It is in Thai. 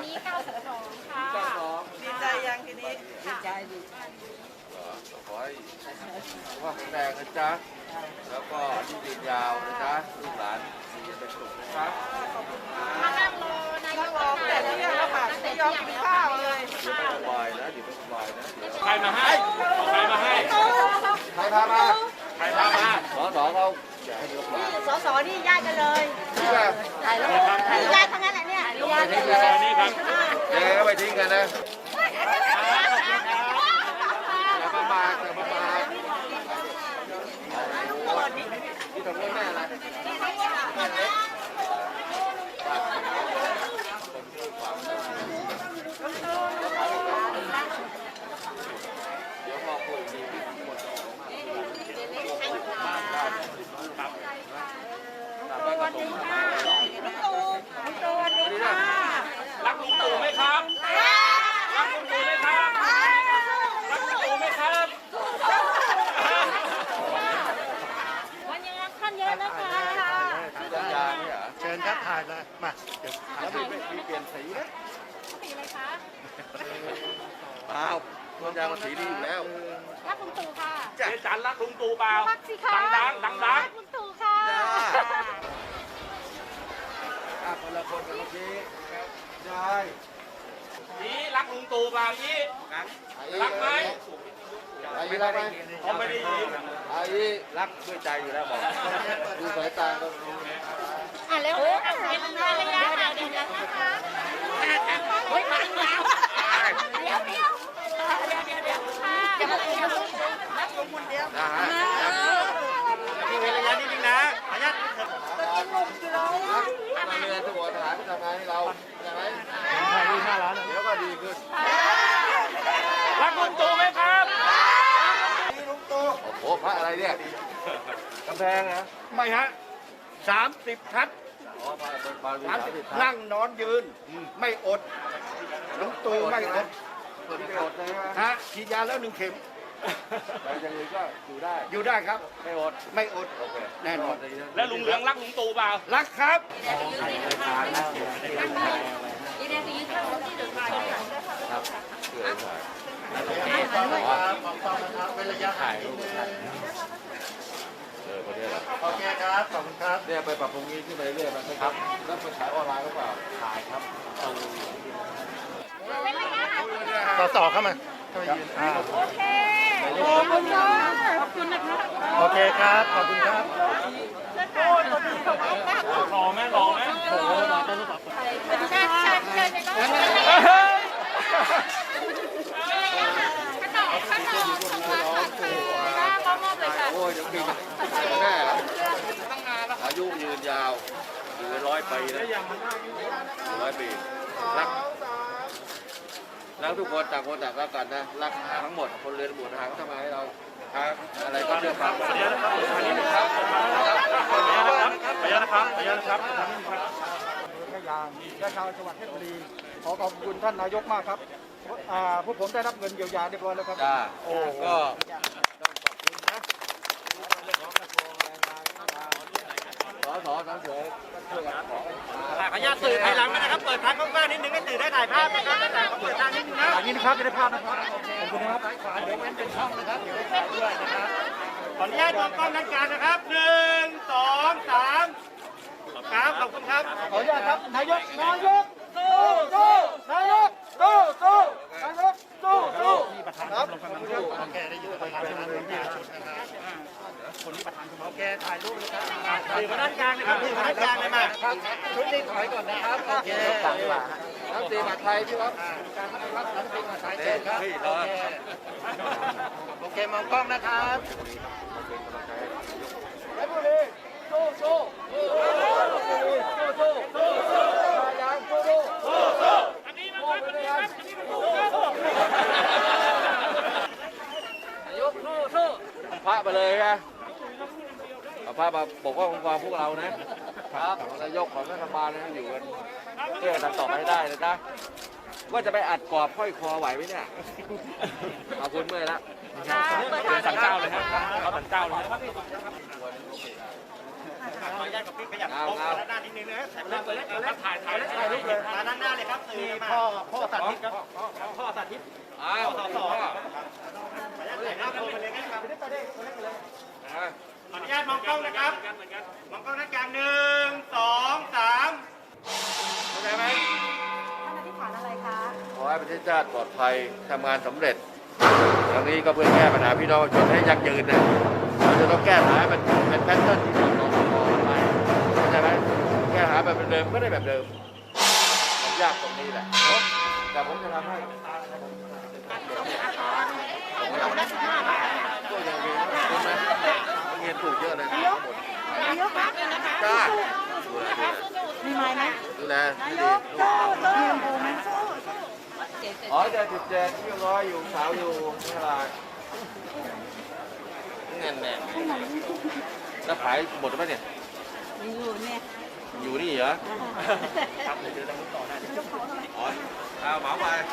นี้92ค่ะดีใจยังทีนี้ดีใจขอให้สุขภาพแข็งแรงนะจ๊ะแล้วก็ที่ยืนยาวนะจ๊ะลูกหลานมีเป็นสุขนะครับมานั่งรอนายกแต่เที่ยงแล้วค่ะไม่ยอมกินข้าวเลยเดี๋ยวไม่สบายนะเดี๋ยวไม่สบายนะเดี๋ยวใครมาให้ใครมาให้ใครพามาใครพามาสอเขาจะให้ยกมาสสนี่ญาติกันเลยนี่แหละถ่ายแล้วญาติทั้งนั้นแหละเนี่ยญาติกันเลยนี่ครับยังไงก็ไปทิ้งกันนะอย่าประมาทอย่าประมาทที่ทำเรื่องแม่อะไรเดี๋ยวพอคุยดีหมดรักลุงตู่ไหมครับรักลุงตู่ไหมครับรักลุงตู่ไหมครับวันยังท่านเยอะนะคะยาไม่เหรอเชิญครับถ่ายเลยมาเดี๋ยวแล้วมีเปลี่ยนสีนะสีอะไรคะเปล่ามันยางมันสีดีอยู่แล้วรักลุงตู่ค่ะเจ๊จันรักลุงตู่เปล่ารักสิคะดังดังดังรักลุงตู่ค่ะคนละคนกันเมื่อกี้ใช่นี่รักลุงตู่เปล่านี่รักไหมไอ้รักไหมผมไม่ได้ยินไอ้รักด้วยใจอยู่แล้วบอกดูสายตาก็รู้เร็วเป็นระยะห่างเดี๋ยวนะคะเฮ้ยมาแล้วเดี๋ยวค่ะจะมาเร็วนะฮะนี่เว้นระยะนิดนึงนะขออนุญาตเรือทุกคนทหารทำงานให้เราใช่ไหมถ่ายรูป5 ล้านเดี๋ยวก็ดีขึ้นรักลุงตู่ไหมครับโอ้โหพระอะไรเนี่ยกำแพงนะไม่ฮะ30 ทัศน์อ๋อมาดู30 นั่งนอนยืน ไม่อดลุงตู่ไม่อดคนที่อดเลยนะฮะฉีดยาแล้ว1 เข็มแต่อย่างอื่นก็อยู่ได้อยู่ได้ครับไม่อดไม่อดโอเคแน่นอนแล้วลุงเหลืองรักลุงตู่เปล่ารักครับครับเกิดถ่ายเป็นระยะถ่ายรูปคนนี้แหละโอเคครับขอบคุณครับเนี่ยไปปรับปรุงนี้ขึ้นไปเรื่อยๆนะครับแล้วไปขายออนไลน์หรือเปล่าขายครับสสเข้ามาเข้ามายืนโอเคขอบคุณค่ะขอบคุณนะคะโอเคครับขอบคุณครับหล่อไหมหล่อไหมเชิญในกล้องข้างนอกก็มอบเลยค่ะโอ้ยยังปีแน่แล้วอายุยืนยาวอยู่100 ปีนะ100 ปีรักทุกคนต่างคนต่างรักกันนะรักทั้งหมดคนเรียนบุตรทหารก็ทำงานให้เราครับอะไรก็เชื่อฟังขออนุญาตนะครับขออนุญาตนะครับขออนุญาตนะครับขออนุญาตนะครับพยางและชาวจังหวัดเพชรบุรีขอขอบคุณท่านนายกมากครับพวกผมได้รับเงินเยียวยาเรียบร้อยแล้วครับจ้าก็ต้องขอบคุณนะเรื่องของกระทรวงแรงงานสอทั้งเฉยช่วยกันขอขออนุญาตสื่อภายหลังนะครับ เปิดทางกว้างๆนิดนึงให้สื่อได้ถ่ายภาพนะครับแต่เปิดทางนิดนึงนะอย่างนี้นะครับจะได้ภาพนะครับขอบคุณนะครับขวาเดี๋ยวเว้นเป็นช่องนะครับ เดี๋ยวถ่ายด้วยนะครับ ขออนุญาตมองกล้องทางการนะครับ1 2 3ครับขอบคุณครับขออนุญาตครับนายกสู้นายกสู้นายกสู้ครับโอเคได้ยืนประธานคณะกรรมการชุดนะครับคนที่ประธานโอเคถ่ายรูปเลยครับถือมาด้านกลางนะครับถือมาด้านกลางเลยมาชุดนี้ถอยก่อนนะครับโอเคน้ำตีบัตรไทยพี่ครับการรับน้ำพริกมาใช้เชิญครับโอเคมองกล้องนะครับเพชรบุรีสู้ยางสู้อันนี้มันครับอันนี้ครับอันนี้มันถูกครับพระไปเลยนะเอาพระมาปกป้องคุ้มครองพวกเรานะครับนายกของรัฐบาลนะอยู่กันเพื่อกันต่อไปให้ได้นะจ๊ะว่าจะไปอัดกรอบค่อยคอไหวไหมเนี่ยขอบคุณเมื่อยละสั่งเจ้าเลยครับเขาสั่งเจ้าเลยครับขออนุญาตกับพี่ขยับเอาด้านนิดนึงนะถ่ายรูปเลยมาด้านหน้าเลยครับสื่อพ่อสาธิตครับพ่อสาธิตอ้าวสอขออนุญาตถ่ายหน้าโพลไปเลยนะครับ ขออนุญาตมองกล้องนะครับ มองกล้องนักการ1 2 3 เข้าใจไหมท่านอธิษฐานอะไรคะขอให้ประเทศชาติปลอดภัยทำงานสำเร็จครั้งนี้ก็เพื่อแก้ปัญหาพี่น้องประชาชนให้ยั่งยืนนะเราจะต้องแก้ปัญหาให้มันเป็นแพทเทิร์นที่ดีต่อไปเข้าใจไหมแก้ปัญหาแบบเดิมก็ได้แบบเดิมมันยากตรงนี้แหละเนอะแต่ผมจะทำให้ก็ยังมีใช่ไหมเงินถูกเยอะเลยนะทั้งหมดนายกคะจ้ามีไม้ไหมดูแลนายกสู้สู้สู้ไหมสู้อ๋อจะ17ที่ร้อยอยู่สาวอยู่นี่อะไรเงินแน่แล้วขายหมดไหมเนี่ยอยู่เนี่ยอยู่นี่เหรอครับเดี๋ยวเราต่อได้อ๋อเอาเหมาไป